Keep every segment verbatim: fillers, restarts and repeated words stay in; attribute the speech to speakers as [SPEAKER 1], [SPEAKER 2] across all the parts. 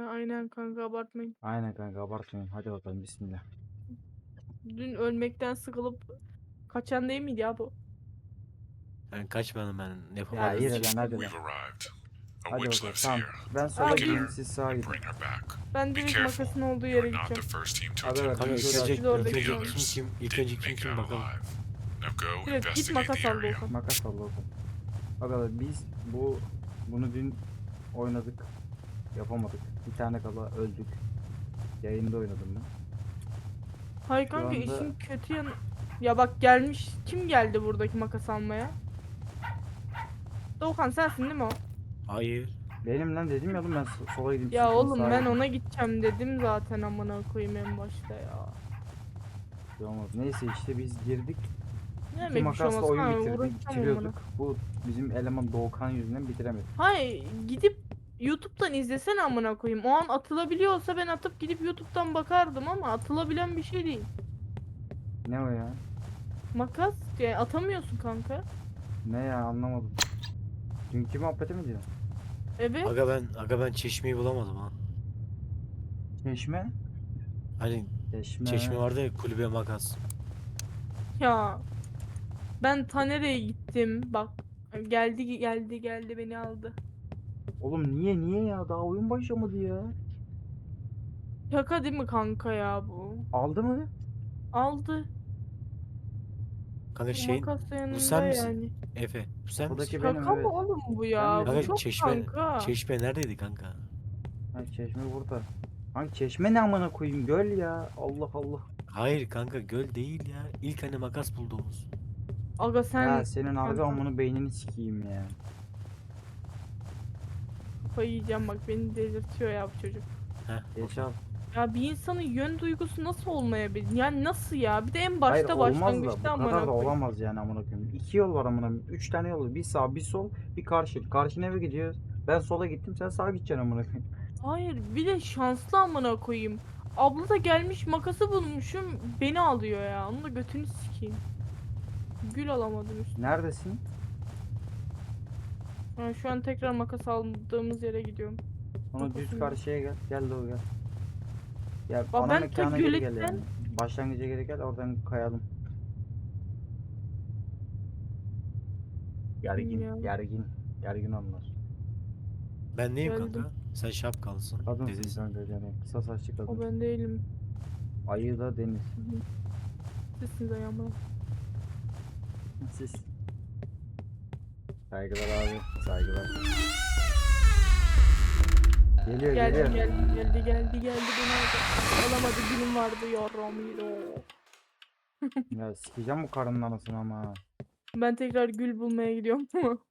[SPEAKER 1] Aynen kanka, abartmayın.
[SPEAKER 2] Aynen kanka, abartmayın. Hadi bakalım, bismillah.
[SPEAKER 1] Dün ölmekten sıkılıp kaçan değil miydi ya bu?
[SPEAKER 3] Ben kaçmadım, ben
[SPEAKER 2] Ya
[SPEAKER 3] yapamadığım
[SPEAKER 2] yürü
[SPEAKER 3] için.
[SPEAKER 2] lan, hadi lan.
[SPEAKER 4] We've arrived. A
[SPEAKER 2] Hadi
[SPEAKER 4] witch
[SPEAKER 2] bakalım,
[SPEAKER 4] lives
[SPEAKER 2] tamam.
[SPEAKER 4] here.
[SPEAKER 2] Ben sola
[SPEAKER 1] Abi
[SPEAKER 2] gideyim,
[SPEAKER 4] Get her
[SPEAKER 2] siz sağa
[SPEAKER 4] and
[SPEAKER 2] gidin.
[SPEAKER 4] bring her back.
[SPEAKER 1] ben
[SPEAKER 4] Be
[SPEAKER 1] direkt
[SPEAKER 4] careful.
[SPEAKER 1] makasın olduğu
[SPEAKER 4] You
[SPEAKER 1] yere
[SPEAKER 4] are not the
[SPEAKER 1] gideceğim.
[SPEAKER 4] first team to
[SPEAKER 2] Aga,
[SPEAKER 4] attempt
[SPEAKER 3] Kanka
[SPEAKER 2] biz
[SPEAKER 3] ilk
[SPEAKER 4] this.
[SPEAKER 2] şöyle
[SPEAKER 3] önce,
[SPEAKER 1] Biz orada
[SPEAKER 3] ilk önce
[SPEAKER 4] The
[SPEAKER 1] bekliyoruz.
[SPEAKER 3] kim
[SPEAKER 4] others
[SPEAKER 3] kim, ilk
[SPEAKER 4] didn't
[SPEAKER 3] önce kim
[SPEAKER 4] make it
[SPEAKER 3] kim
[SPEAKER 4] out
[SPEAKER 3] bakalım.
[SPEAKER 4] alive. Now go
[SPEAKER 1] Direkt git
[SPEAKER 4] investigate
[SPEAKER 1] makas
[SPEAKER 4] the
[SPEAKER 1] al
[SPEAKER 4] area.
[SPEAKER 1] Doğukan.
[SPEAKER 2] Makas al bakalım. Aga biz bu bunu dün oynadık. Yapamadık. Bir tane kala öldük. Yayında oynadım ben.
[SPEAKER 1] Hayır
[SPEAKER 2] Şu
[SPEAKER 1] kanka,
[SPEAKER 2] anda-
[SPEAKER 1] işin kötü yanı... Ya bak, gelmiş. Kim geldi buradaki makas almaya? Doğukan sensin değil mi o?
[SPEAKER 3] Hayır.
[SPEAKER 2] Benim lan dedim ya oğlum, ben so- sola gideyim.
[SPEAKER 1] Ya
[SPEAKER 2] siz
[SPEAKER 1] oğlum,
[SPEAKER 2] sağa
[SPEAKER 1] ben
[SPEAKER 2] gidin.
[SPEAKER 1] ona gideceğim dedim zaten, amına koyayım en başta ya.
[SPEAKER 2] Şey olmaz. Neyse işte biz girdik.
[SPEAKER 1] Ne
[SPEAKER 2] İki
[SPEAKER 1] demek bir şey
[SPEAKER 2] makasla
[SPEAKER 1] olmaz.
[SPEAKER 2] oyun
[SPEAKER 1] Ha,
[SPEAKER 2] bitirdik.
[SPEAKER 1] uğraşacağım
[SPEAKER 2] Bitiriyorduk.
[SPEAKER 1] amına.
[SPEAKER 2] Bu bizim eleman Doğukan yüzünden bitiremedik.
[SPEAKER 1] Hayır, gidip YouTube'dan izlesene amına koyayım. O an atılabiliyorsa ben atıp gidip YouTube'dan bakardım ama atılabilen bir şey değil.
[SPEAKER 2] Ne o ya?
[SPEAKER 1] Makas yani atamıyorsun kanka.
[SPEAKER 2] Ne ya, anlamadım. Dünkü muhabbeti mi diyorsun?
[SPEAKER 1] Evet.
[SPEAKER 3] Aga ben, aga ben çeşmeyi bulamadım ha.
[SPEAKER 2] Çeşme?
[SPEAKER 3] Hani
[SPEAKER 2] Çeşme.
[SPEAKER 3] çeşme vardı ya, kulübe makas.
[SPEAKER 1] Ya ben Taner'e gittim. Bak, geldi geldi geldi beni aldı.
[SPEAKER 2] Oğlum niye niye ya? Daha oyun başlamadı ya.
[SPEAKER 1] Şaka değil mi kanka ya bu?
[SPEAKER 2] Aldı mı?
[SPEAKER 1] Aldı.
[SPEAKER 3] Kanka
[SPEAKER 1] Bu
[SPEAKER 3] şeyin,
[SPEAKER 1] makas da
[SPEAKER 3] bu
[SPEAKER 1] yanında
[SPEAKER 3] sen misin?
[SPEAKER 1] yani.
[SPEAKER 3] Efe, bu sen misin?
[SPEAKER 2] Buradaki benim,
[SPEAKER 1] Şaka mı
[SPEAKER 2] evet.
[SPEAKER 1] oğlum bu
[SPEAKER 2] Ben
[SPEAKER 1] ya?
[SPEAKER 2] de
[SPEAKER 1] Bu
[SPEAKER 2] değilim.
[SPEAKER 3] Kanka
[SPEAKER 1] çok
[SPEAKER 3] çeşme,
[SPEAKER 1] kanka.
[SPEAKER 3] çeşme neredeydi kanka?
[SPEAKER 2] Ha, çeşme burada. Hangi çeşme, ne amına koyayım, göl ya. Allah Allah.
[SPEAKER 3] Hayır kanka, göl değil ya. İlk hani makas bulduğumuz.
[SPEAKER 1] Aga sen
[SPEAKER 2] Ya senin harbi
[SPEAKER 1] kanka,
[SPEAKER 2] amını beynini sikeyim ya.
[SPEAKER 1] kafayı yiyeceğim bak, beni delirtiyor ya bu çocuk.
[SPEAKER 3] Heh.
[SPEAKER 2] Geç al.
[SPEAKER 1] Ya bir insanın yön duygusu nasıl olmayabilir? Yani nasıl ya? Bir de en
[SPEAKER 2] Hayır
[SPEAKER 1] başta
[SPEAKER 2] olmaz da
[SPEAKER 1] başlangıçta
[SPEAKER 2] bu
[SPEAKER 1] amına
[SPEAKER 2] kadar da
[SPEAKER 1] koyayım.
[SPEAKER 2] olamaz yani amına koyayım. İki yol var amına koyayım. Üç tane yol var. Bir sağ bir sol bir karşı. Karşına eve gidiyoruz. Ben sola gittim, sen sağa gideceksin amına koyayım.
[SPEAKER 1] Hayır, bir de şanslı amına koyayım. Abla da gelmiş, makası bulmuşum, beni alıyor ya. Onu da götünü sikeyim. Gül alamadım üstüne.
[SPEAKER 2] Neredesin?
[SPEAKER 1] Ha, şu an tekrar makas aldığımız yere gidiyorum.
[SPEAKER 2] Sonra düz
[SPEAKER 1] Makasım yok.
[SPEAKER 2] karşıya gel. Gel Doğu gel. Gel
[SPEAKER 1] Bak
[SPEAKER 2] ana
[SPEAKER 1] ben ta
[SPEAKER 2] mekana geri gel
[SPEAKER 1] göletten-
[SPEAKER 2] yani. Başlangıca geri gel, oradan kayalım. Gergin,
[SPEAKER 1] Bilmiyorum.
[SPEAKER 2] gergin, gergin anlar.
[SPEAKER 3] Ben neyim
[SPEAKER 1] Geldim.
[SPEAKER 3] kanka? Sen şapkalısın.
[SPEAKER 2] Kadınsın
[SPEAKER 3] Dedesin.
[SPEAKER 2] kanka yani, kısa saçlı kadın.
[SPEAKER 1] O ben değilim.
[SPEAKER 2] Ayı da Deniz.
[SPEAKER 1] Sizsiniz ayağıma.
[SPEAKER 2] Siz. Saygılar abi, saygılar. Geliyor,
[SPEAKER 1] Geldi
[SPEAKER 2] geliyor.
[SPEAKER 1] geldi geldi geldi geldi beni aldı. Alamadı, gülüm vardı yarramıydı.
[SPEAKER 2] Ya sikeceğim bu karının anasını ama.
[SPEAKER 1] Ben tekrar gül bulmaya gidiyorum.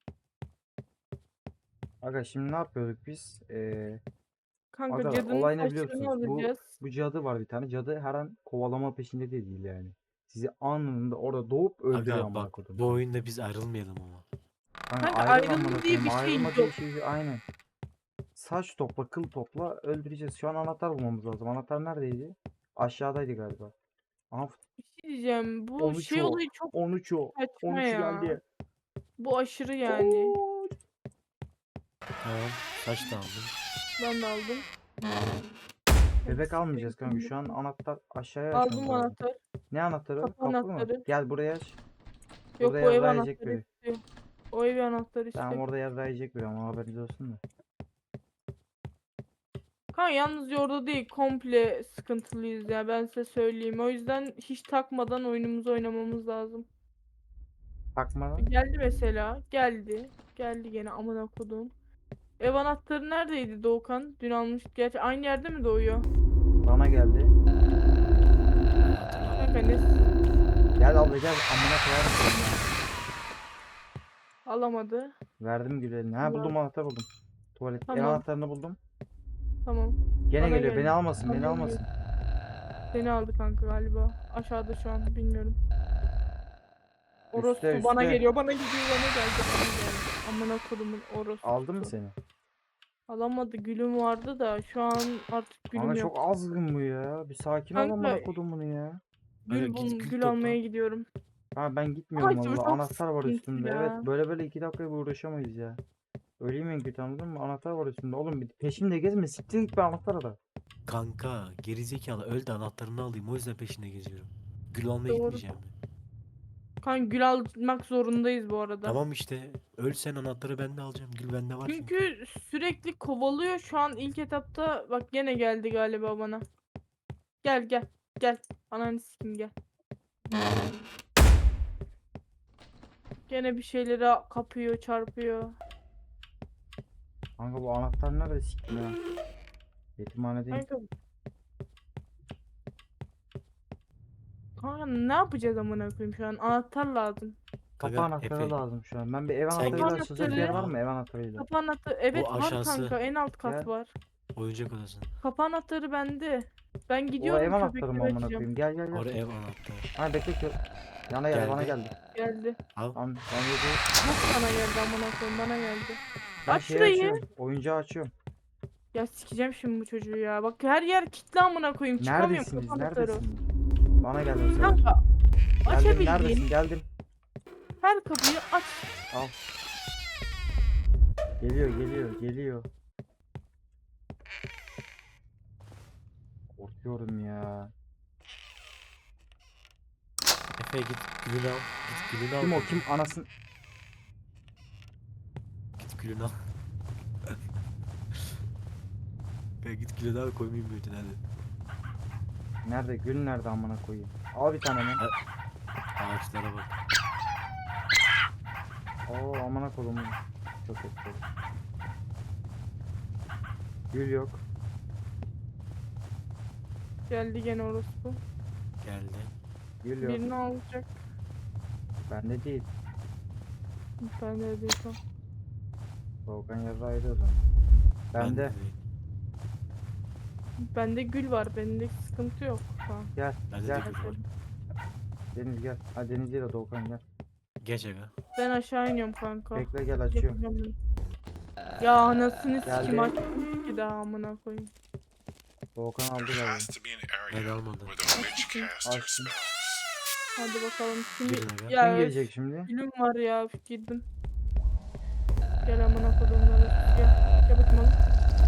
[SPEAKER 2] Aga şimdi ne yapıyorduk biz? Ee,
[SPEAKER 1] Kanka
[SPEAKER 2] Aga
[SPEAKER 1] cadının
[SPEAKER 2] olay ne
[SPEAKER 1] saçlarını
[SPEAKER 2] biliyorsunuz? Bu
[SPEAKER 1] alacağız.
[SPEAKER 2] bu cadı var bir tane. Cadı her an kovalama peşinde de değil yani. Sizi anında orada doğup öldürüyor
[SPEAKER 3] Aga
[SPEAKER 2] amına
[SPEAKER 3] bak,
[SPEAKER 2] koydum.
[SPEAKER 3] bu oyunda biz ayrılmayalım ama.
[SPEAKER 2] Kanka,
[SPEAKER 1] Kanka
[SPEAKER 2] ayrıl
[SPEAKER 1] ayrılma
[SPEAKER 2] amına
[SPEAKER 1] diye
[SPEAKER 2] koyayım,
[SPEAKER 1] bir şey
[SPEAKER 2] ayrılma diye
[SPEAKER 1] yok.
[SPEAKER 2] şey aynen. Saç topla, kıl topla, öldüreceğiz. Şu an anahtar bulmamız lazım. Anahtar neredeydi? Aşağıdaydı galiba. Aha,
[SPEAKER 1] Bir şey diyeceğim. Bu
[SPEAKER 2] on üç
[SPEAKER 1] şey
[SPEAKER 2] o.
[SPEAKER 1] olayı çok
[SPEAKER 2] on üç o.
[SPEAKER 1] saçma
[SPEAKER 2] on üç
[SPEAKER 1] ya.
[SPEAKER 2] geldi.
[SPEAKER 1] Bu aşırı yani.
[SPEAKER 3] Tamam, saç da aldım.
[SPEAKER 1] Ben de aldım.
[SPEAKER 2] Bebek almayacağız kanka. Şu an anahtar aşağıya
[SPEAKER 1] Aldım
[SPEAKER 2] açmamız lazım.
[SPEAKER 1] anahtar.
[SPEAKER 2] Ne anahtarı?
[SPEAKER 1] Kapı
[SPEAKER 2] Kapı mı?
[SPEAKER 1] anahtarı.
[SPEAKER 2] Gel buraya aç.
[SPEAKER 1] Yok,
[SPEAKER 2] Burada
[SPEAKER 1] bu ev
[SPEAKER 2] yarrayacak
[SPEAKER 1] anahtarı
[SPEAKER 2] biri.
[SPEAKER 1] istiyor. O ev anahtarı
[SPEAKER 2] Tamam,
[SPEAKER 1] istiyor.
[SPEAKER 2] orada yarrayacak biri ama haberiniz olsun da.
[SPEAKER 1] Kanka yalnız orada değil, komple sıkıntılıyız ya, ben size söyleyeyim. O yüzden hiç takmadan oyunumuzu oynamamız lazım.
[SPEAKER 2] Takmadan.
[SPEAKER 1] Geldi mesela. Geldi. Geldi gene amına kodum. Ev anahtarı neredeydi Doğukan? Dün almış. Gerçi aynı yerde mi doğuyor?
[SPEAKER 2] Bana geldi.
[SPEAKER 1] Kanka ne?
[SPEAKER 2] Gel abla gel, amına koyarım seni ya.
[SPEAKER 1] Alamadı.
[SPEAKER 2] Verdim gül eline. Ha,
[SPEAKER 1] Allah.
[SPEAKER 2] buldum, anahtar buldum. Tuvalet. Ev
[SPEAKER 1] Tamam.
[SPEAKER 2] anahtarını buldum.
[SPEAKER 1] Tamam.
[SPEAKER 2] Gene
[SPEAKER 1] Bana
[SPEAKER 2] geliyor. Beni
[SPEAKER 1] geldi.
[SPEAKER 2] almasın, beni
[SPEAKER 1] Bana
[SPEAKER 2] almasın.
[SPEAKER 1] Seni aldı kanka galiba. Aşağıda şu an, bilmiyorum. Orospu
[SPEAKER 2] Üste,
[SPEAKER 1] bana
[SPEAKER 2] üste.
[SPEAKER 1] geliyor, bana gidiyor, bana geldi, bana geldi. Amına kodumun orospu.
[SPEAKER 2] Aldın mı seni?
[SPEAKER 1] Alamadı, gülüm vardı da şu an artık gülüm
[SPEAKER 2] Kanka
[SPEAKER 1] yok.
[SPEAKER 2] çok azgın bu ya. Bir sakin ol
[SPEAKER 1] Kanka,
[SPEAKER 2] amına kodumunu ya.
[SPEAKER 1] Gül,
[SPEAKER 3] Kanka
[SPEAKER 1] bul,
[SPEAKER 3] git gül
[SPEAKER 1] gül
[SPEAKER 3] topla.
[SPEAKER 1] almaya gidiyorum.
[SPEAKER 2] Ha, ben gitmiyorum
[SPEAKER 1] Ay, bu
[SPEAKER 2] valla.
[SPEAKER 1] çok
[SPEAKER 2] Anahtar var
[SPEAKER 1] sıkıntı
[SPEAKER 2] üstümde.
[SPEAKER 1] ya.
[SPEAKER 2] Evet, böyle böyle iki dakikaya uğraşamayız ya. Öleyim en kötü, anladın mı? Anahtar var üstünde. Oğlum bir peşimde gezme. Siktir git bir anahtar da.
[SPEAKER 3] Kanka gerizekalı öl de anahtarını alayım. O yüzden peşinde geziyorum. Gül almaya
[SPEAKER 1] Doğru.
[SPEAKER 3] gitmeyeceğim mi?
[SPEAKER 1] Kanka gül almak zorundayız bu arada.
[SPEAKER 3] Tamam işte. Öl sen, anahtarı ben de alacağım. Gül bende var çünkü.
[SPEAKER 1] Çünkü sürekli kovalıyor şu an ilk etapta. Bak gene geldi galiba bana. Gel gel gel. Ananı sikim gel. Gene bir şeyleri kapıyor, çarpıyor.
[SPEAKER 2] Kanka bu anahtar nerede siktir ya? Yetimhanedeyim.
[SPEAKER 1] Kanka. Kanka ne yapacağız amına koyayım şu an? Anahtar lazım.
[SPEAKER 2] Kapı
[SPEAKER 3] Kanka,
[SPEAKER 2] anahtarı
[SPEAKER 3] Efe,
[SPEAKER 2] lazım şu an. Ben bir ev
[SPEAKER 3] sen
[SPEAKER 2] anahtarıyla
[SPEAKER 1] git.
[SPEAKER 2] açılacak bir yer var
[SPEAKER 1] Anahtarı-
[SPEAKER 2] mı, ev anahtarıyla?
[SPEAKER 1] Kapı anahtarı. Evet
[SPEAKER 3] O
[SPEAKER 1] var
[SPEAKER 3] aşağısı.
[SPEAKER 1] kanka. En alt kat
[SPEAKER 2] Gel.
[SPEAKER 1] var.
[SPEAKER 3] oyuncak odası.
[SPEAKER 1] Kapı anahtarı bende. Ben
[SPEAKER 2] O
[SPEAKER 1] gidiyorum
[SPEAKER 2] ev anahtarı
[SPEAKER 1] köpekleri
[SPEAKER 2] mı amına
[SPEAKER 1] açacağım.
[SPEAKER 2] koyayım? Gel gel gel.
[SPEAKER 3] Orada ev anahtarı.
[SPEAKER 2] Ha bekle ki. Yana gel, bana
[SPEAKER 3] Geldi.
[SPEAKER 2] geldi.
[SPEAKER 1] Geldi.
[SPEAKER 3] Al.
[SPEAKER 2] Tamam ben yedi.
[SPEAKER 1] Nasıl bana geldi amına koyayım? Bana geldi.
[SPEAKER 2] Ben
[SPEAKER 1] Aç
[SPEAKER 2] şeyi
[SPEAKER 1] şurayı.
[SPEAKER 2] açıyorum. Oyuncağı açıyorum.
[SPEAKER 1] Ya sikeceğim şimdi bu çocuğu ya. Bak her yer kilitli amına koyayım. Çıkamıyorum
[SPEAKER 2] Neredesiniz?
[SPEAKER 1] kapı anahtarı.
[SPEAKER 2] Neredesiniz? Bana geldi bu sefer.
[SPEAKER 1] Kanka
[SPEAKER 2] Geldim,
[SPEAKER 1] açabildiğin
[SPEAKER 2] neredesin? Geldim.
[SPEAKER 1] her kapıyı aç.
[SPEAKER 2] Al. Geliyor, geliyor, geliyor. Korkuyorum ya.
[SPEAKER 3] Efe git gülünü al. Git gülünü al.
[SPEAKER 2] Kim o? Kim? Anasın.
[SPEAKER 3] Git gülünü al. Ya git gülünü al, koymayayım büyütün hadi.
[SPEAKER 2] Nerede? Gül nerede amına koyayım? Al bir tane lan.
[SPEAKER 3] Ağaçlara bak.
[SPEAKER 2] Oo amına kolumu. Çok etkili. Gül yok.
[SPEAKER 1] Geldi gene orospu.
[SPEAKER 3] Geldi.
[SPEAKER 2] Gül yok.
[SPEAKER 1] Birini alacak.
[SPEAKER 2] Bende değil.
[SPEAKER 1] Ben de diyorsam.
[SPEAKER 2] Volkan yarı ayrı o zaman. Bende.
[SPEAKER 3] değil.
[SPEAKER 1] Bende gül var. Bende sıkıntı yok. Tamam.
[SPEAKER 2] Gel.
[SPEAKER 3] Bende
[SPEAKER 2] gel.
[SPEAKER 3] de gül var.
[SPEAKER 2] Deniz gel. Ha Deniz değil de Doğukan gel.
[SPEAKER 3] Geç aga.
[SPEAKER 1] Ben aşağı iniyorum kanka.
[SPEAKER 2] Bekle gel açıyorum.
[SPEAKER 1] Yapacağım bunu. Ya anasını
[SPEAKER 2] Geldi.
[SPEAKER 1] sikim açtım ki daha amına koyayım.
[SPEAKER 2] Doğukan aldı
[SPEAKER 4] There
[SPEAKER 2] galiba.
[SPEAKER 4] has to be an
[SPEAKER 3] Ben
[SPEAKER 4] area
[SPEAKER 3] almadım.
[SPEAKER 4] where the witch cast her
[SPEAKER 2] Açtım.
[SPEAKER 4] spells.
[SPEAKER 1] Hadi bakalım. Şimdi
[SPEAKER 3] Girin aga.
[SPEAKER 1] ya
[SPEAKER 2] Kim gelecek şimdi?
[SPEAKER 1] gülüm var ya. üf, Girdim. Gel amına koyduğumları. Gel. Gel bakayım oğlum.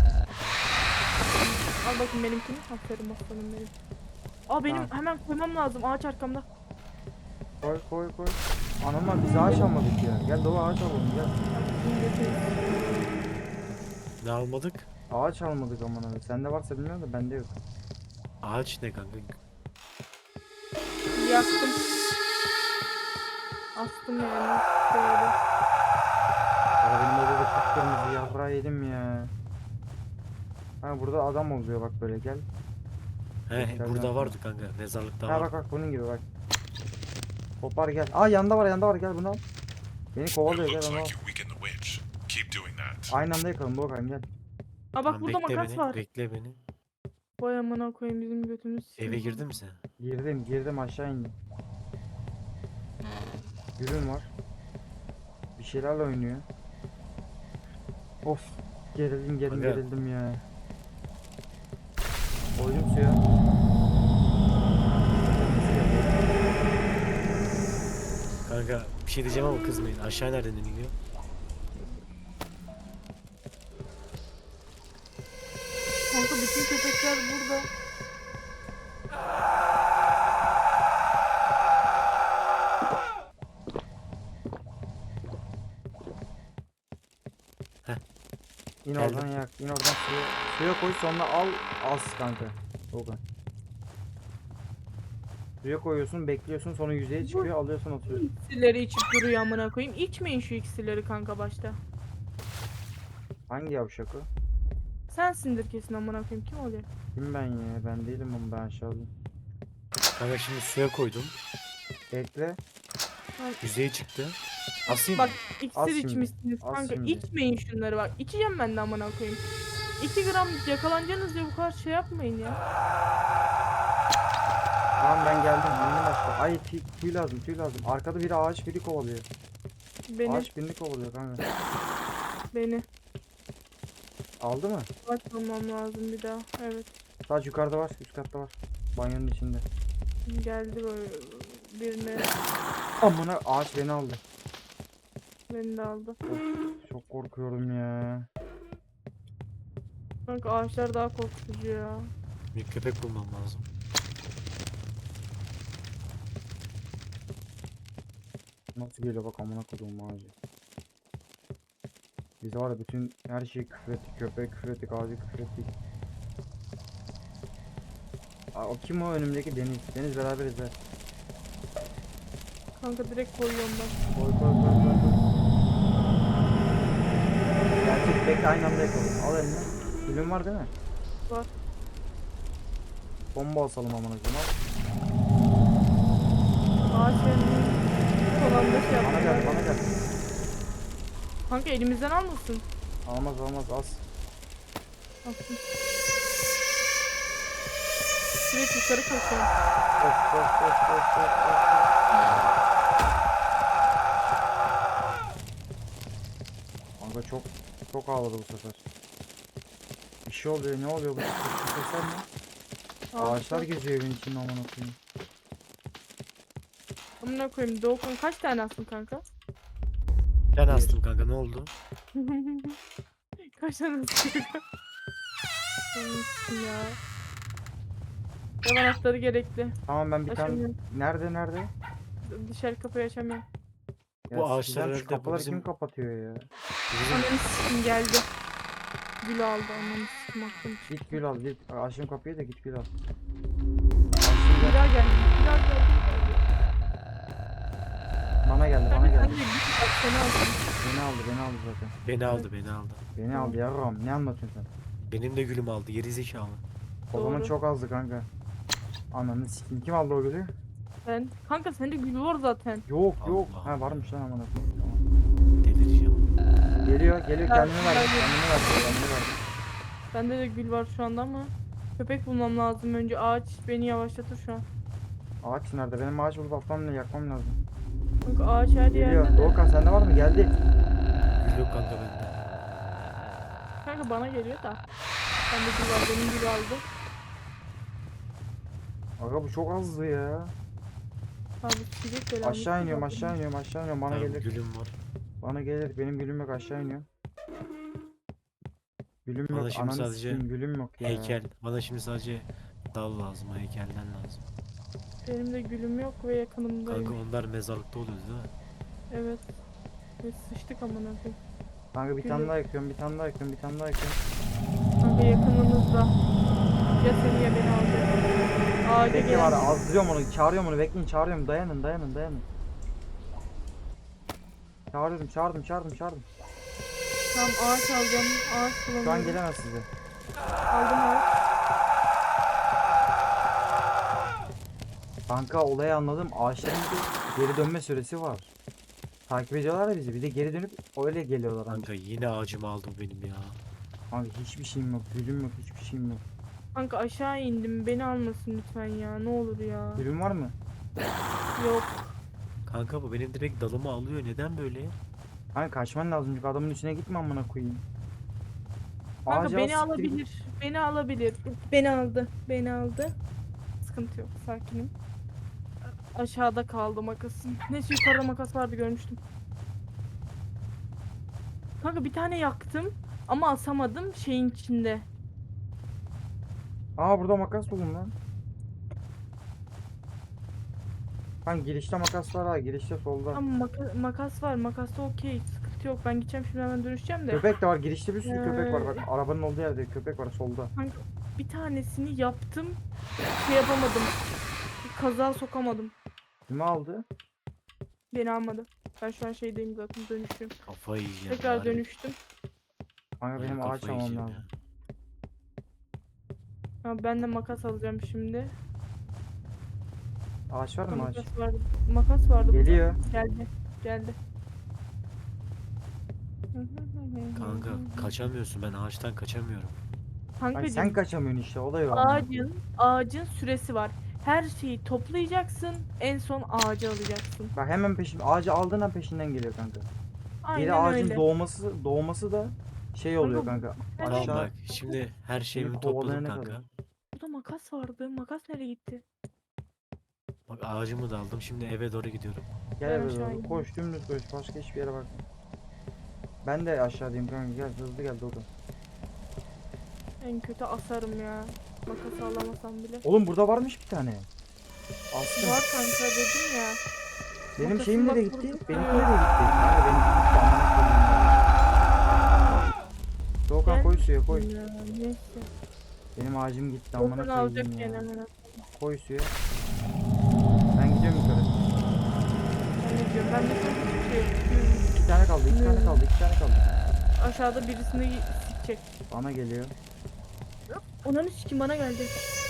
[SPEAKER 1] Al bakayım benimkini. Aferin aslanım benim. Aa benim
[SPEAKER 2] Tamam.
[SPEAKER 1] hemen koymam lazım. Ağaç arkamda.
[SPEAKER 2] Koy koy koy. Anam biz ağaç almadık ya. Gel Doğu ağaç alalım gel.
[SPEAKER 3] Ne almadık?
[SPEAKER 2] Ağaç almadık aman abi. Sende varsa bilmiyorum da bende yok.
[SPEAKER 3] Ağaç ne kanka?
[SPEAKER 1] Yaktım. Astım yani. Böyle.
[SPEAKER 2] Ya benim odada kıpkırmızı yaprağı yedim ya. Ha burada adam oluyor bak böyle gel.
[SPEAKER 3] He
[SPEAKER 2] Gel,
[SPEAKER 3] burada
[SPEAKER 2] gel.
[SPEAKER 3] vardı kanka. Mezarlıkta
[SPEAKER 2] Ha
[SPEAKER 3] var.
[SPEAKER 2] bak bak bunun gibi bak. Kopar gel. Aa yanda var yanda var gel bunu al. Beni kovalıyor
[SPEAKER 4] It
[SPEAKER 2] gel
[SPEAKER 4] looks
[SPEAKER 2] onu al.
[SPEAKER 4] like you weakened the witch. Keep doing that.
[SPEAKER 2] Aynı anda yakalım Doğukan gel.
[SPEAKER 1] Aa bak
[SPEAKER 3] Tamam,
[SPEAKER 1] burada
[SPEAKER 3] bekle
[SPEAKER 1] makas
[SPEAKER 3] beni.
[SPEAKER 1] var.
[SPEAKER 3] Bekle beni.
[SPEAKER 1] Vay amına koyayım bizim götümüz.
[SPEAKER 3] Eve girdin mi sen?
[SPEAKER 2] Girdim girdim aşağı indim. Gülüm var. Bir şeylerle oynuyor. Of. Gerildim gerildim
[SPEAKER 3] Aga.
[SPEAKER 2] gerildim ya. Koydum suya.
[SPEAKER 3] Kanka bir şey diyeceğim ama kızmayın. Aşağı nereden iniyor?
[SPEAKER 1] Kanka bütün köpekler burada.
[SPEAKER 2] İn
[SPEAKER 3] Geldim.
[SPEAKER 2] oradan yak. İn oradan suya. Suya koy sonra al. Az kanka. Doğukan. Suya koyuyorsun bekliyorsun sonra yüzeye çıkıyor alıyorsun atıyorsun.
[SPEAKER 1] İksirleri içip duruyor amına koyayım. İçmeyin şu iksirleri kanka başta.
[SPEAKER 2] Hangi yavşak o?
[SPEAKER 1] Sensindir kesin amına koyayım. Kim oluyor?
[SPEAKER 2] Kim ben ya? Ben değilim ama ben aşağıdayım.
[SPEAKER 3] Kanka şimdi suya koydum.
[SPEAKER 2] Bekle.
[SPEAKER 3] Yüzeye çıktı. Asayım
[SPEAKER 1] Bak
[SPEAKER 3] mı?
[SPEAKER 1] iksir
[SPEAKER 2] Az şimdi,
[SPEAKER 1] içmişsiniz
[SPEAKER 2] az
[SPEAKER 1] kanka.
[SPEAKER 2] şimdi.
[SPEAKER 1] İçmeyin şunları bak. İçeceğim ben de amına koyayım. iki gram yakalanacaksınız diye bu kadar şey yapmayın ya.
[SPEAKER 2] Tamam ben geldim. Yeni başla. Ay tüy, tüy lazım tüy lazım. Arkada biri ağaç biri kovalıyor.
[SPEAKER 1] Beni,
[SPEAKER 2] Ağaç birini kovalıyor kanka.
[SPEAKER 1] beni.
[SPEAKER 2] Aldı mı?
[SPEAKER 1] Açmamam lazım bir daha. Evet.
[SPEAKER 2] Sadece yukarıda var üst katta var. Banyonun içinde.
[SPEAKER 1] Geldi böyle birine.
[SPEAKER 2] Amına ağaç beni aldı.
[SPEAKER 1] Beni de aldı.
[SPEAKER 2] Of, çok korkuyorum ya.
[SPEAKER 1] Kanka ağaçlar daha korkutucu ya.
[SPEAKER 3] Bir köpek bulmam lazım.
[SPEAKER 2] Nasıl geliyor bak amına koduğum ağacı. Biz var ya bütün her şeyi küfrettik. Köpek küfrettik, ağacı küfrettik. Aa, o kim o önümdeki Deniz? Deniz beraberiz ha.
[SPEAKER 1] Kanka direkt koyuyorum ben.
[SPEAKER 2] Koy koy koy koy koy. Gerçek bekle aynı anda yakalım. Al eline. Gülün var değil mi?
[SPEAKER 1] Var.
[SPEAKER 2] Bomba asalım amına koyayım. Al.
[SPEAKER 1] Ağaç elini son anda şey
[SPEAKER 2] Bana gel
[SPEAKER 1] yaptı.
[SPEAKER 2] bana gel.
[SPEAKER 1] Kanka elimizden almasın.
[SPEAKER 2] Almaz almaz az.
[SPEAKER 1] Alsın. Direkt yukarı koşuyorum.
[SPEAKER 2] Of of of of of of. Kanka çok çok ağladı bu sefer. Bir şey oluyor ne oluyor bu sesler ne? Ağaçlar geziyor evin içinde amına koyayım.
[SPEAKER 1] Amına koyayım. Doğukan kaç tane astın kanka?
[SPEAKER 3] Ben
[SPEAKER 2] Bir.
[SPEAKER 3] astım kanka, ne oldu?
[SPEAKER 1] Kaç tane astın kanka? Anlatsın ya. Ev anahtarı gerekli.
[SPEAKER 2] Tamam ben bir tane
[SPEAKER 1] Açamıyorum.
[SPEAKER 2] nerede nerede?
[SPEAKER 1] Dışarı kapıyı açamıyorum.
[SPEAKER 3] Bu
[SPEAKER 2] Ya
[SPEAKER 3] ağaçlar
[SPEAKER 2] sizden şu
[SPEAKER 3] herhalde bu
[SPEAKER 2] kapıları
[SPEAKER 3] bizim-
[SPEAKER 2] kim kapatıyor ya?
[SPEAKER 3] Bizim
[SPEAKER 1] Ananı sikim geldi. Gül aldı ananı sikim aklım.
[SPEAKER 2] Git gül al git. Açın kapıyı da git gül al.
[SPEAKER 1] Bir daha geldi. Bir daha geldi.
[SPEAKER 2] Bana geldi bana
[SPEAKER 1] Kanka sen de
[SPEAKER 2] geldi.
[SPEAKER 1] git bak seni alsın.
[SPEAKER 2] Beni aldı beni aldı zaten.
[SPEAKER 3] beni aldı beni aldı.
[SPEAKER 2] Beni aldı yavrum ne anlatıyorsun sen?
[SPEAKER 3] Benim de gülüm aldı, geri zekalı.
[SPEAKER 2] O zaman
[SPEAKER 1] Doğru.
[SPEAKER 2] çok azdı kanka. Ananı sikeyim kim aldı o gülü?
[SPEAKER 1] Ben. Kanka sende gül var zaten.
[SPEAKER 2] Yok yok.
[SPEAKER 3] Allah
[SPEAKER 2] Ha
[SPEAKER 3] Allah.
[SPEAKER 2] varmış lan amına koyayım. Tamam.
[SPEAKER 3] Delireceğim.
[SPEAKER 2] Geliyor geliyor
[SPEAKER 1] Ben-
[SPEAKER 2] kendini ver
[SPEAKER 1] ben-
[SPEAKER 2] kendini ver kendini ver.
[SPEAKER 1] Bende de gül var şu anda ama köpek bulmam lazım önce. Ağaç beni yavaşlatır şu an.
[SPEAKER 2] Ağaç nerede? Benim ağaç bulup atmam lazım yakmam lazım.
[SPEAKER 1] Kanka ağaç her
[SPEAKER 2] Geliyor.
[SPEAKER 1] yerde de.
[SPEAKER 2] Doğukan sende var mı? Geldi.
[SPEAKER 3] Gül yok kanka bende.
[SPEAKER 1] Kanka bana geliyor da. Bende gül var benim gül aldı.
[SPEAKER 2] Aga bu çok azdı ya.
[SPEAKER 1] Abi çiçek böyle
[SPEAKER 2] Aşağı iniyorum aşağı iniyorum aşağı iniyorum bana
[SPEAKER 3] Tamam,
[SPEAKER 2] gelir.
[SPEAKER 3] gülüm var.
[SPEAKER 2] Bana gelir. Benim gülüm yok aşağı iniyorum. Gülüm
[SPEAKER 3] Bana
[SPEAKER 2] yok.
[SPEAKER 3] şimdi
[SPEAKER 2] Ananı
[SPEAKER 3] sadece
[SPEAKER 2] sikeyim gülüm yok ya.
[SPEAKER 3] Heykel. Bana şimdi sadece dal lazım, o heykelden lazım.
[SPEAKER 1] Benim de gülüm yok ve yakınımdayım.
[SPEAKER 3] Kanka onlar mezarlıkta oluyor değil mi?
[SPEAKER 1] Evet. Ve sıçtık amına koyayım.
[SPEAKER 2] Kanka bir tane
[SPEAKER 1] Gülüm.
[SPEAKER 2] daha yakıyorum bir tane daha yakıyorum bir tane daha yakıyorum.
[SPEAKER 1] Kanka yakınımızda. Ya seni ya beni alacak. Ağaca
[SPEAKER 2] Bekle var
[SPEAKER 1] gelen.
[SPEAKER 2] azdırıyorum onu çağırıyorum onu bekleyin çağırıyorum dayanın dayanın dayanın. Çağırıyorum çağırdım çağırdım çağırdım.
[SPEAKER 1] Tamam ağaç alacağım. Ağaç
[SPEAKER 2] Şu an
[SPEAKER 1] bulamıyorum.
[SPEAKER 2] gelemez size.
[SPEAKER 1] Aldım ağaç.
[SPEAKER 2] Kanka olayı anladım. Ağaçların bir geri dönme süresi var. Takip ediyorlar ya bizi. Bir de geri dönüp öyle geliyorlar kanka.
[SPEAKER 3] Kanka yine ağacımı aldı bu benim ya.
[SPEAKER 2] Kanka hiçbir şeyim yok. Gülüm yok. Hiçbir şeyim yok.
[SPEAKER 1] Kanka aşağı indim. Beni almasın lütfen ya. Ne olur ya.
[SPEAKER 2] Gülüm var mı?
[SPEAKER 1] Yok.
[SPEAKER 3] Kanka bu benim direkt dalımı alıyor. Neden böyle?
[SPEAKER 2] Kanka kaçman lazım çünkü adamın içine gitme amına koyayım.
[SPEAKER 1] Kanka
[SPEAKER 2] Ağaca
[SPEAKER 1] beni
[SPEAKER 2] al, siktir git.
[SPEAKER 1] alabilir. Beni alabilir. Beni aldı. Beni aldı. Sıkıntı yok. Sakinim. Aşağıda kaldı makasım. Neyse yukarıda makas vardı görmüştüm. Kanka bir tane yaktım ama asamadım şeyin içinde.
[SPEAKER 2] Aa burada makas buldum lan. Kanka girişte makas var ha. Girişte solda.
[SPEAKER 1] Ama maka- makas var. Makasta okey. Sıkıntı yok. Ben gideceğim şimdi hemen dönüşeceğim de.
[SPEAKER 2] Köpek de var. Girişte bir sürü köpek var. Bak
[SPEAKER 1] Ee.
[SPEAKER 2] arabanın olduğu yerde köpek var solda.
[SPEAKER 1] Kanka bir tanesini yaptım. Şey yapamadım. Kaza sokamadım.
[SPEAKER 2] Kimi aldı?
[SPEAKER 1] Beni almadı. Ben şu an şeydeyim zaten dönüşüyorum.
[SPEAKER 3] Kafayı yiyeceğim.
[SPEAKER 1] Tekrar
[SPEAKER 3] harbi.
[SPEAKER 1] dönüştüm.
[SPEAKER 2] Kanka
[SPEAKER 3] Ben
[SPEAKER 2] benim ağaç
[SPEAKER 3] kafayı
[SPEAKER 2] almam
[SPEAKER 3] yiyeceğim
[SPEAKER 2] lazım.
[SPEAKER 3] ya.
[SPEAKER 1] Ha, ben de makas alacağım şimdi.
[SPEAKER 2] Ağaç var mı ağaç?
[SPEAKER 1] Makas vardı. Makas vardı. burada.
[SPEAKER 2] Geliyor.
[SPEAKER 1] Geldi. Geldi.
[SPEAKER 3] Kanka kaçamıyorsun, ben ağaçtan kaçamıyorum.
[SPEAKER 2] Ay
[SPEAKER 1] Kankacığım,
[SPEAKER 2] sen kaçamıyorsun işte o da yok.
[SPEAKER 1] ağacın ağacın süresi var. Her şeyi toplayacaksın. En son ağacı alacaksın.
[SPEAKER 2] Bak hemen peşin ağacı aldığın an peşinden geliyor kanka.
[SPEAKER 1] Aynen
[SPEAKER 2] Geri ağacın
[SPEAKER 1] öyle.
[SPEAKER 2] doğması doğması da şey oluyor
[SPEAKER 1] Kanka,
[SPEAKER 2] kanka.
[SPEAKER 1] Tamam
[SPEAKER 3] Tamam
[SPEAKER 2] Aşağı
[SPEAKER 3] bak, şimdi her şeyimi
[SPEAKER 2] kovalayana
[SPEAKER 3] topladım
[SPEAKER 2] kadar.
[SPEAKER 3] kanka.
[SPEAKER 1] Burada makas vardı. Makas nereye gitti?
[SPEAKER 3] Bak ağacımı da aldım, şimdi eve doğru gidiyorum.
[SPEAKER 2] gel
[SPEAKER 1] Ben
[SPEAKER 2] eve
[SPEAKER 1] aşağı
[SPEAKER 2] doğru.
[SPEAKER 1] ineyim.
[SPEAKER 2] Koş dümdüz koş. Başka hiçbir yere bak. Ben de aşağıdayım kanka, gel hızlı gel Dodo.
[SPEAKER 1] En kötü asarım ya. Makas alamasam bile.
[SPEAKER 2] Oğlum burada varmış bir tane. Aslında
[SPEAKER 1] Var kanka dedim ya.
[SPEAKER 2] benim
[SPEAKER 1] makasın
[SPEAKER 2] şeyim
[SPEAKER 1] bak
[SPEAKER 2] nereye gitti?
[SPEAKER 1] burada.
[SPEAKER 2] Benimki nereye gitti? Kanka benimki gitti, amına koyayım ya. Doğukan
[SPEAKER 1] Gel.
[SPEAKER 2] koy suya koy.
[SPEAKER 1] Ya, neyse.
[SPEAKER 2] Benim ağacım gitti amına
[SPEAKER 1] Dokun alacak
[SPEAKER 2] koyayım
[SPEAKER 1] gene
[SPEAKER 2] ya.
[SPEAKER 1] hemen.
[SPEAKER 2] Koy suya. Ben gidiyorum yukarı.
[SPEAKER 1] Ben ne diyorum? Ben de çok şey.
[SPEAKER 2] İki tane kaldı, iki tane kaldı, iki tane kaldı.
[SPEAKER 1] Aşağıda birisini sikecek.
[SPEAKER 2] Bana geliyor.
[SPEAKER 1] Ananı sikim bana geldi.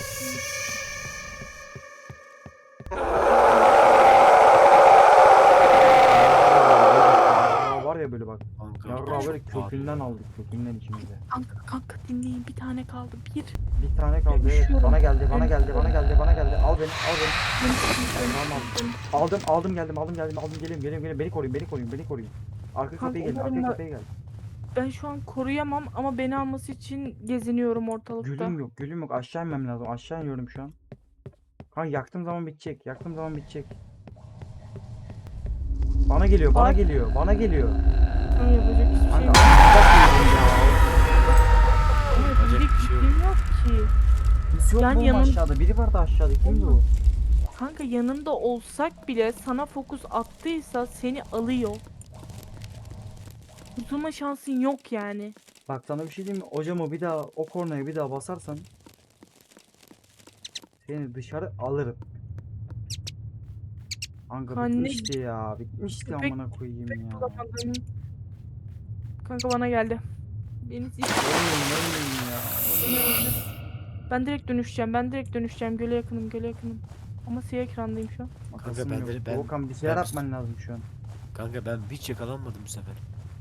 [SPEAKER 2] Yarrağı var ya böyle bak.
[SPEAKER 3] Kanka
[SPEAKER 2] Yarrağı
[SPEAKER 3] çok
[SPEAKER 2] böyle
[SPEAKER 3] pahalı
[SPEAKER 2] kökünden
[SPEAKER 3] ya.
[SPEAKER 2] aldık, kökünden içimize.
[SPEAKER 1] Kanka kanka dinleyin bir tane kaldı. Bir.
[SPEAKER 2] Bir tane kaldı, evet.
[SPEAKER 1] Dönüşüyorum.
[SPEAKER 2] Bana geldi, bana geldi, bana
[SPEAKER 1] Dönüşüyorum.
[SPEAKER 2] geldi, bana geldi. Al beni, al beni.
[SPEAKER 1] Dönüştüm,
[SPEAKER 2] Tamam,
[SPEAKER 1] dönüştüm.
[SPEAKER 2] Aldım, aldım geldim, aldım geldim, aldım geliyorum, geliyorum, geliyorum. Beni koruyun, beni koruyun, beni koruyun. Arka
[SPEAKER 1] Kanka,
[SPEAKER 2] kapıya gelin,
[SPEAKER 1] umarım
[SPEAKER 2] arka
[SPEAKER 1] da-
[SPEAKER 2] kapıya gel.
[SPEAKER 1] Ben şu an koruyamam ama beni alması için geziniyorum ortalıkta.
[SPEAKER 2] Gülüm yok, gülüm yok. Aşağı inmem lazım. Aşağı iniyorum şu an. Kanka yaktığım zaman bitecek, yaktığım zaman bitecek. Bana geliyor, bana
[SPEAKER 1] Bak.
[SPEAKER 2] geliyor, bana geliyor.
[SPEAKER 1] Ama yapacak hiçbir şey
[SPEAKER 2] Kanka
[SPEAKER 1] yok.
[SPEAKER 2] bak yedim ya.
[SPEAKER 1] Ama
[SPEAKER 3] Yapacak
[SPEAKER 1] diyecek
[SPEAKER 3] bir şey yok.
[SPEAKER 1] bir şeyim yok ki.
[SPEAKER 2] Birisi yok
[SPEAKER 1] Yani
[SPEAKER 2] mu oğlum
[SPEAKER 1] yanım-
[SPEAKER 2] aşağıda? Biri vardı aşağıda. Kimdi o?
[SPEAKER 1] Kanka yanında olsak bile sana fokus attıysa seni alıyor. Kurtulma şansın yok yani.
[SPEAKER 2] Bak sana bir şey diyeyim mi? Hocamı bir daha o kornaya bir daha basarsan seni dışarı alırım. Kanka
[SPEAKER 1] Anne,
[SPEAKER 2] bitmişti ya. Bitmişti
[SPEAKER 1] köpek-
[SPEAKER 2] amına koyayım ya.
[SPEAKER 1] Bulamadım. Kanka bana geldi. Beni sil-
[SPEAKER 2] Ölmeyin ölmeyin ya.
[SPEAKER 1] Ben direkt dönüşeceğim. Ben direkt dönüşeceğim. Göle yakınım, göle yakınım. Ama siyah ekrandayım şu an.
[SPEAKER 2] Makasım
[SPEAKER 3] ben
[SPEAKER 2] yok.
[SPEAKER 3] de- ben-
[SPEAKER 2] Volkan bir şeyler
[SPEAKER 3] ben-
[SPEAKER 2] yapman lazım şu an.
[SPEAKER 3] Kanka ben hiç yakalanmadım bu sefer.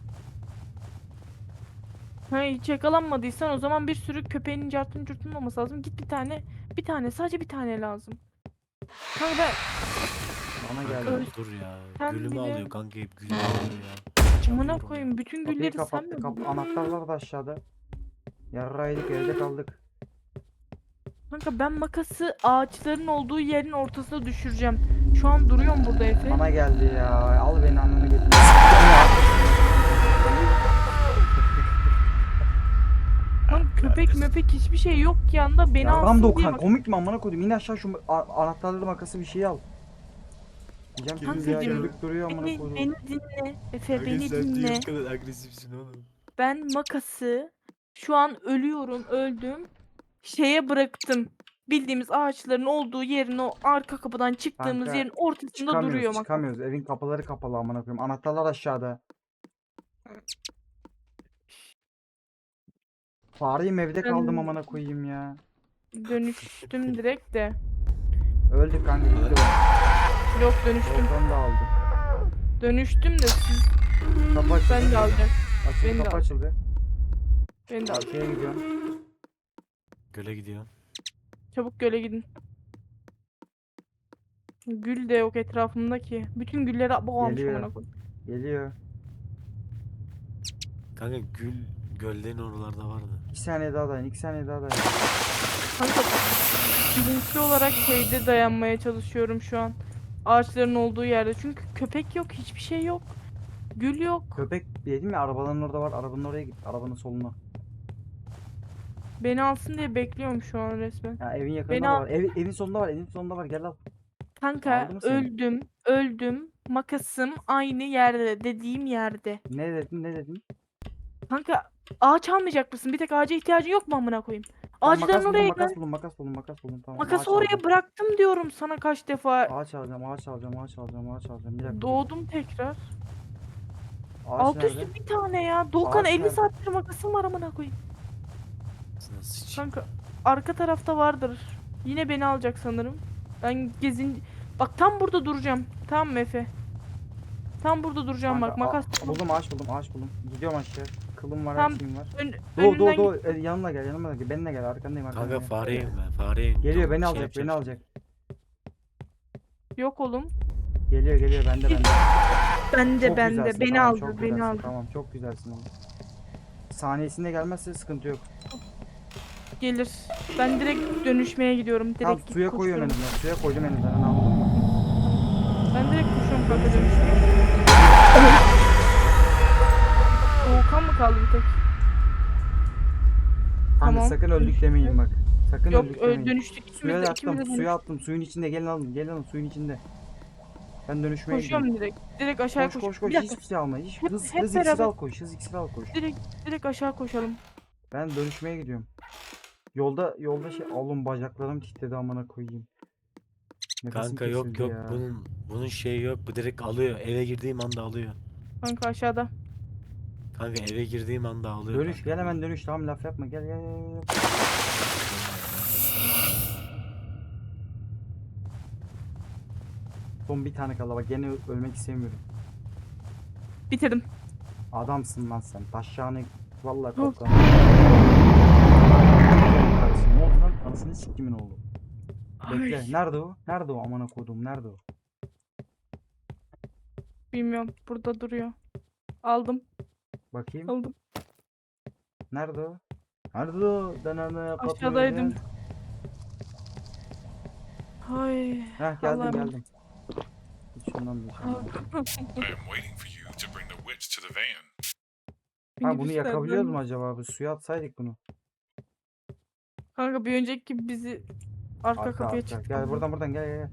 [SPEAKER 1] Ha, hiç yakalanmadıysan o zaman bir sürü köpeğinin cartın curtun olması lazım. Git bir tane, bir tane, sadece bir tane lazım. Kanka ben
[SPEAKER 2] Bana
[SPEAKER 3] Kanka
[SPEAKER 2] geldi.
[SPEAKER 3] dur ya.
[SPEAKER 1] Sen
[SPEAKER 3] Gülümü
[SPEAKER 1] bile-
[SPEAKER 3] alıyor kanka, hep gülümü alıyor ya.
[SPEAKER 1] amına
[SPEAKER 3] Çalıyorum
[SPEAKER 1] koyayım bütün
[SPEAKER 2] Kapıyı
[SPEAKER 1] gülleri sen
[SPEAKER 2] kapattı.
[SPEAKER 1] mi
[SPEAKER 2] Kap
[SPEAKER 1] buldun?
[SPEAKER 2] anahtarlar da aşağıda. Yarraydık evde kaldık.
[SPEAKER 1] Kanka ben makası ağaçların olduğu yerin ortasına düşüreceğim. Şu an duruyorum burada Efe.
[SPEAKER 2] Bana geldi ya. Al beni ananı getir.
[SPEAKER 1] Kanka köpek möpek hiçbir şey yok ki yanında beni
[SPEAKER 2] Yaram
[SPEAKER 1] alsın diye
[SPEAKER 2] Dokan
[SPEAKER 1] bak.
[SPEAKER 2] komik mi amına koydum? İn aşağı şu a- anahtarları makası bir şey al. Diyeceğim ki ya
[SPEAKER 1] Kankacığım,
[SPEAKER 2] güldük duruyor amına
[SPEAKER 1] Beni,
[SPEAKER 2] koydum.
[SPEAKER 1] beni dinle Efe
[SPEAKER 3] Kanka
[SPEAKER 1] beni
[SPEAKER 3] sen niye
[SPEAKER 1] dinle.
[SPEAKER 3] bu kadar agresifsin oğlum?
[SPEAKER 1] Ben makası şu an ölüyorum öldüm. Şeye bıraktım. Bildiğimiz ağaçların olduğu yerin o arka kapıdan çıktığımız
[SPEAKER 2] Kanka,
[SPEAKER 1] yerin ortasında
[SPEAKER 2] Çıkamıyoruz,
[SPEAKER 1] duruyor makas.
[SPEAKER 2] çıkamıyoruz. Evin kapıları kapalı amına koyayım. Anahtarlar aşağıda. Fareyim evde
[SPEAKER 1] Ben-
[SPEAKER 2] kaldım amına koyayım ya.
[SPEAKER 1] Dönüştüm direkt de.
[SPEAKER 2] Öldük kanka gitti o.
[SPEAKER 1] Yok dönüştüm.
[SPEAKER 2] Volkan da aldı.
[SPEAKER 1] Dönüştüm de siz
[SPEAKER 2] Kapı açıldı.
[SPEAKER 1] ben de alacağım.
[SPEAKER 2] Açıldı,
[SPEAKER 1] beni de
[SPEAKER 2] kapı
[SPEAKER 1] al.
[SPEAKER 2] açıldı.
[SPEAKER 1] Ben de alacağım.
[SPEAKER 2] Arkaya gidiyorum.
[SPEAKER 3] Göle gidiyor.
[SPEAKER 1] Çabuk göle gidin. Gül de yok etrafımda ki. Bütün gülleri boğalmış
[SPEAKER 2] Geliyor.
[SPEAKER 1] amına koyayım.
[SPEAKER 2] Geliyor.
[SPEAKER 3] Kanka gül göllerin oralarda vardı.
[SPEAKER 2] İki saniye daha dayan, iki saniye daha dayan.
[SPEAKER 1] Kanka bilinçli olarak şeyde dayanmaya çalışıyorum şu an. Ağaçların olduğu yerde. Çünkü köpek yok, hiçbir şey yok. Gül yok.
[SPEAKER 2] Köpek dedim ya, arabaların orada var. Arabanın oraya git. Arabanın soluna.
[SPEAKER 1] Beni alsın diye bekliyorum şu an resmen.
[SPEAKER 2] Ya evin yakınında
[SPEAKER 1] Beni
[SPEAKER 2] da
[SPEAKER 1] al-
[SPEAKER 2] var. Ev, evin sonunda var. Evin sonunda var. Gel al.
[SPEAKER 1] Kanka
[SPEAKER 2] Aldı mı seni?
[SPEAKER 1] öldüm, öldüm. Makasım aynı yerde, dediğim yerde.
[SPEAKER 2] Ne dedin? Ne dedin?
[SPEAKER 1] Kanka ağaç almayacak mısın? Bir tek ağaca ihtiyacın yok mu amına koyayım?
[SPEAKER 2] Tamam,
[SPEAKER 1] Ağaçların
[SPEAKER 2] makas bulun,
[SPEAKER 1] oraya
[SPEAKER 2] makas
[SPEAKER 1] gel.
[SPEAKER 2] bulun, makas bulun, makas bulun. Tamam.
[SPEAKER 1] Makası
[SPEAKER 2] ağaç
[SPEAKER 1] oraya
[SPEAKER 2] alacağım.
[SPEAKER 1] bıraktım diyorum sana kaç defa.
[SPEAKER 2] Ağaç alacağım, ağaç alacağım, ağaç alacağım, ağaç alacağım. Bir dakika. dur.
[SPEAKER 1] Doğdum tekrar.
[SPEAKER 2] Ağaç
[SPEAKER 1] Alt
[SPEAKER 2] nerede?
[SPEAKER 1] üstü bir tane ya. Doğukan
[SPEAKER 2] Ağaç
[SPEAKER 1] elli
[SPEAKER 2] nerede?
[SPEAKER 1] saattir makasım var amına koyayım.
[SPEAKER 3] Sana sıç.
[SPEAKER 1] Kanka arka tarafta vardır. Yine beni alacak sanırım. Ben gezin... Bak tam burada duracağım. Tamam mı Efe? Tam burada duracağım bak.
[SPEAKER 2] Kanka,
[SPEAKER 1] Makas
[SPEAKER 2] a- buldum, ağaç buldum, ağaç buldum. Gidiyorum aşağı. Kılım var,
[SPEAKER 1] Tam
[SPEAKER 2] her şeyim var.
[SPEAKER 1] ön,
[SPEAKER 2] Doğu, doğu,
[SPEAKER 1] önünden
[SPEAKER 2] doğu.
[SPEAKER 1] git.
[SPEAKER 2] E, yanıma gel, yanıma gel. Benimle gel, arkandayım, arkandayım.
[SPEAKER 3] Kanka fareyim ben fareyim.
[SPEAKER 2] Geliyor,
[SPEAKER 3] Tamam,
[SPEAKER 2] beni
[SPEAKER 3] şey
[SPEAKER 2] alacak,
[SPEAKER 3] yapacağım
[SPEAKER 2] beni
[SPEAKER 3] şimdi.
[SPEAKER 2] alacak.
[SPEAKER 1] Yok oğlum.
[SPEAKER 2] Geliyor, geliyor, bende, bende.
[SPEAKER 1] Bende
[SPEAKER 2] Çok
[SPEAKER 1] bende.
[SPEAKER 2] güzelsin,
[SPEAKER 1] Beni
[SPEAKER 2] tamam,
[SPEAKER 1] aldı.
[SPEAKER 2] çok
[SPEAKER 1] Beni
[SPEAKER 2] güzelsin,
[SPEAKER 1] aldı.
[SPEAKER 2] Tamam, çok güzelsin oğlum. Saniyesinde gelmezse sıkıntı yok.
[SPEAKER 1] Gelir. Ben direkt dönüşmeye gidiyorum. Direkt
[SPEAKER 2] Tamam,
[SPEAKER 1] git
[SPEAKER 2] suya koyuyorum
[SPEAKER 1] koşuyorum.
[SPEAKER 2] önümden, suya koydum önümden, anladın mı?
[SPEAKER 1] Ben direkt koşuyorum kanka dönüşmeye. Hakan mı kaldı bir tek?
[SPEAKER 2] Kanka
[SPEAKER 1] Tamam,
[SPEAKER 2] sakın öldük
[SPEAKER 1] dönüştük.
[SPEAKER 2] demeyin bak. Sakın
[SPEAKER 1] Yok
[SPEAKER 2] öldük
[SPEAKER 1] ö-
[SPEAKER 2] demeyin.
[SPEAKER 1] dönüştük ikimiz
[SPEAKER 2] Suya
[SPEAKER 1] de
[SPEAKER 2] da
[SPEAKER 1] ikimiz
[SPEAKER 2] attım.
[SPEAKER 1] de
[SPEAKER 2] Suya
[SPEAKER 1] dönüştük.
[SPEAKER 2] attım. Suyun içinde gelin alın. Gelin alın suyun içinde. Ben dönüşmeye gidiyorum.
[SPEAKER 1] Koşuyorum direkt. Direkt aşağıya
[SPEAKER 2] Koş
[SPEAKER 1] koş.
[SPEAKER 2] koş
[SPEAKER 1] Bir
[SPEAKER 2] koş.
[SPEAKER 1] dakika.
[SPEAKER 2] Hiçbir şey alma. Hiç
[SPEAKER 1] Hep,
[SPEAKER 2] hız
[SPEAKER 1] hep
[SPEAKER 2] hız iksiri
[SPEAKER 1] beraber
[SPEAKER 2] al koş. Hız iksiri al koş.
[SPEAKER 1] direkt direkt aşağı koşalım.
[SPEAKER 2] Ben dönüşmeye gidiyorum. Yolda yolda şey oğlum bacaklarım titredi amına koyayım. Nefesim
[SPEAKER 3] Kanka yok
[SPEAKER 2] kesildi
[SPEAKER 3] yok
[SPEAKER 2] ya.
[SPEAKER 3] bunun bunun şeyi yok. Bu direkt alıyor. Eve girdiğim anda alıyor.
[SPEAKER 1] Kanka aşağıda.
[SPEAKER 3] Kanka eve girdiğim anda alıyor
[SPEAKER 2] Dönüş
[SPEAKER 3] kanka.
[SPEAKER 2] gel
[SPEAKER 3] bu.
[SPEAKER 2] hemen dönüş tamam laf yapma gel gel gel. gel. Son bir tane kaldı bak gene ö- ölmek istemiyorum.
[SPEAKER 1] Bitirdim.
[SPEAKER 2] Adamsın lan sen. Taşağını vallahi
[SPEAKER 1] Of.
[SPEAKER 2] koptan. Ne oldu lan? Anasını siktimin oğlu. Bekle.
[SPEAKER 1] Ay,
[SPEAKER 2] Nerede o? Nerede o amına koduğum? Nerede o?
[SPEAKER 1] bilmiyorum. Burada duruyor. Aldım.
[SPEAKER 2] Bakayım.
[SPEAKER 1] Aldım.
[SPEAKER 2] Nerede o? Nerede o? Deneme
[SPEAKER 1] Aşağıdaydım.
[SPEAKER 2] katmıyor.
[SPEAKER 1] Ay.
[SPEAKER 2] Heh geldim
[SPEAKER 1] Allah'ım.
[SPEAKER 2] geldim. Hiç şundan bir şey
[SPEAKER 1] Ah.
[SPEAKER 2] almadım.
[SPEAKER 4] I am waiting for you to bring the witch to the van.
[SPEAKER 2] Ha bunu
[SPEAKER 1] Minibüslerden-
[SPEAKER 2] yakabiliyoruz mu acaba? Bir suya atsaydık bunu.
[SPEAKER 1] Kanka bir önceki gibi bizi arka,
[SPEAKER 2] Arka
[SPEAKER 1] kapıya
[SPEAKER 2] arka.
[SPEAKER 1] çıktı.
[SPEAKER 2] Gel buradan buradan gel gel. gel.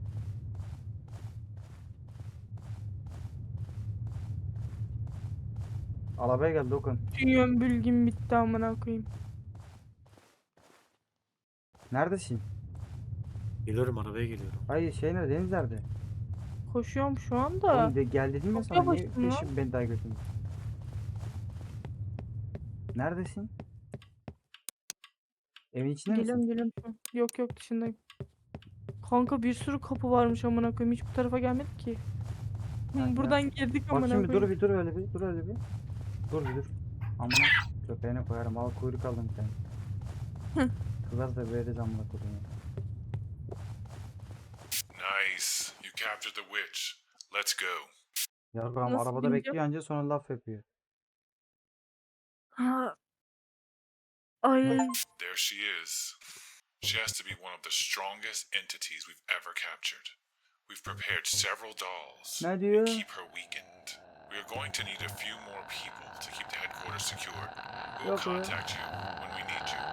[SPEAKER 2] Arabaya gel Dokan.
[SPEAKER 1] Dünyam bilgim bitti amına koyayım.
[SPEAKER 2] Neredesin?
[SPEAKER 3] Geliyorum arabaya geliyorum.
[SPEAKER 2] Hayır şey nerede? Deniz nerede?
[SPEAKER 1] Koşuyorum şu anda.
[SPEAKER 2] Oğlum de, gel dedim ya
[SPEAKER 1] Çok
[SPEAKER 2] sana niye
[SPEAKER 1] yavaşsın lan.
[SPEAKER 2] peşim beni daha götürdün? Neredesin? Evin içinde
[SPEAKER 1] Geliyorum
[SPEAKER 2] misin?
[SPEAKER 1] geliyorum şu an. Yok yok dışındayım. Kanka bir sürü kapı varmış amına koyayım. Hiç bu tarafa gelmedik ki. Hı,
[SPEAKER 2] Ha, gel.
[SPEAKER 1] buradan girdik amına
[SPEAKER 2] Bakayım bir dur
[SPEAKER 1] koyayım.
[SPEAKER 2] bir dur öyle bir dur öyle bir. Dur bir dur. Amına köpeğine koyarım al kuyruk aldım sen. Kızar da veririz amına koyayım.
[SPEAKER 4] Nice. You captured the witch. Let's go.
[SPEAKER 2] Yarrağım
[SPEAKER 1] Nasıl
[SPEAKER 2] arabada
[SPEAKER 1] bineceğim?
[SPEAKER 2] bekliyor anca sonra laf yapıyor.
[SPEAKER 1] Ha. Ay.
[SPEAKER 4] There she is. She has to be one of the strongest entities we've ever captured. We've prepared several dolls
[SPEAKER 2] Ne diyor?
[SPEAKER 4] and keep her weakened. We are going to need a few more people to keep the headquarters secure. We will
[SPEAKER 2] Yok ya.
[SPEAKER 4] contact you when we need you.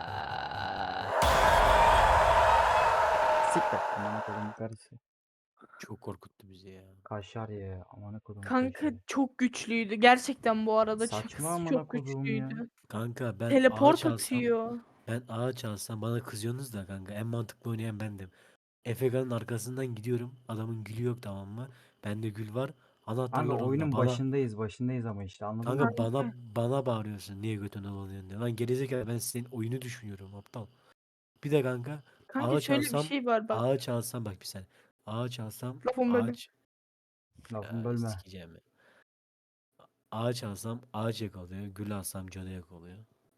[SPEAKER 2] Siktir. Amına koyayım karısı.
[SPEAKER 3] Çok korkuttu bizi ya.
[SPEAKER 2] Kaşar ya. Amına koyayım
[SPEAKER 1] Kanka
[SPEAKER 2] kaşar.
[SPEAKER 1] çok güçlüydü. Gerçekten bu arada
[SPEAKER 2] Saçma
[SPEAKER 1] şakası
[SPEAKER 2] amına
[SPEAKER 1] çok
[SPEAKER 2] koduğum ya.
[SPEAKER 1] güçlüydü.
[SPEAKER 3] Kanka ben
[SPEAKER 1] Teleport
[SPEAKER 3] ağaç alsam
[SPEAKER 1] atıyor.
[SPEAKER 3] ben ağaç alsam bana kızıyorsunuz da kanka en mantıklı oynayan bendim. Efegan'ın arkasından gidiyorum. Adamın gülü yok tamam mı? Bende gül var.
[SPEAKER 2] Kanka
[SPEAKER 3] Anahtarlarını da
[SPEAKER 2] oyunun
[SPEAKER 3] bana
[SPEAKER 2] başındayız başındayız ama işte anladın mı?
[SPEAKER 3] kanka bana bana bağırıyorsun. Niye götüne dolanıyorsun diye. Lan gerizekalı ben senin oyunu düşünüyorum aptal. Bir de kanka
[SPEAKER 1] Kanka
[SPEAKER 3] ağaç
[SPEAKER 1] şöyle bir
[SPEAKER 3] alsam
[SPEAKER 1] şey var bak.
[SPEAKER 3] ağaç alsam bak bir sen. Ağaç alsam
[SPEAKER 1] Lafımı bölme.
[SPEAKER 3] ağaç
[SPEAKER 2] Lafını
[SPEAKER 3] ya,
[SPEAKER 2] bölme.
[SPEAKER 3] sikeceğim ya. Ağaç alsam ağaç yakalıyor. Gül alsam canı yakalıyor.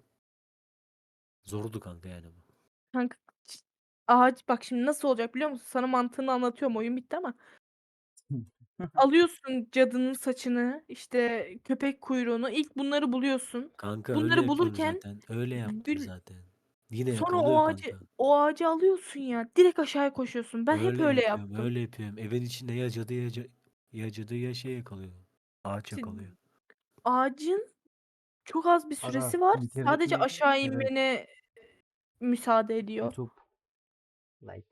[SPEAKER 3] Zordu kanka yani bu.
[SPEAKER 1] Kanka ç- ağaç bak şimdi nasıl olacak biliyor musun? Sana mantığını anlatıyorum. Oyun bitti ama. Alıyorsun cadının saçını, işte köpek kuyruğunu. İlk bunları buluyorsun.
[SPEAKER 3] Kanka öyle
[SPEAKER 1] Bunları
[SPEAKER 3] yapıyorum
[SPEAKER 1] bulurken
[SPEAKER 3] zaten. Öyle yaptım
[SPEAKER 1] gül
[SPEAKER 3] zaten. Yine
[SPEAKER 1] sonra
[SPEAKER 3] yakalıyor
[SPEAKER 1] o ağacı
[SPEAKER 3] kanka.
[SPEAKER 1] o ağacı alıyorsun ya. Direkt aşağıya koşuyorsun. Ben hep
[SPEAKER 3] Öyle
[SPEAKER 1] öyle
[SPEAKER 3] yapıyorum,
[SPEAKER 1] yaptım.
[SPEAKER 3] öyle yapıyorum. Evin içinde ya cadı ya, ca- ya cadı ya şey yakalıyor. Ağaç
[SPEAKER 1] İşte
[SPEAKER 3] yakalıyor.
[SPEAKER 1] ağacın çok az bir
[SPEAKER 2] Aga
[SPEAKER 1] süresi var.
[SPEAKER 2] bitirdik
[SPEAKER 1] Sadece
[SPEAKER 2] mi?
[SPEAKER 1] aşağı
[SPEAKER 2] Evet.
[SPEAKER 1] inmene müsaade ediyor.
[SPEAKER 2] YouTube. Like.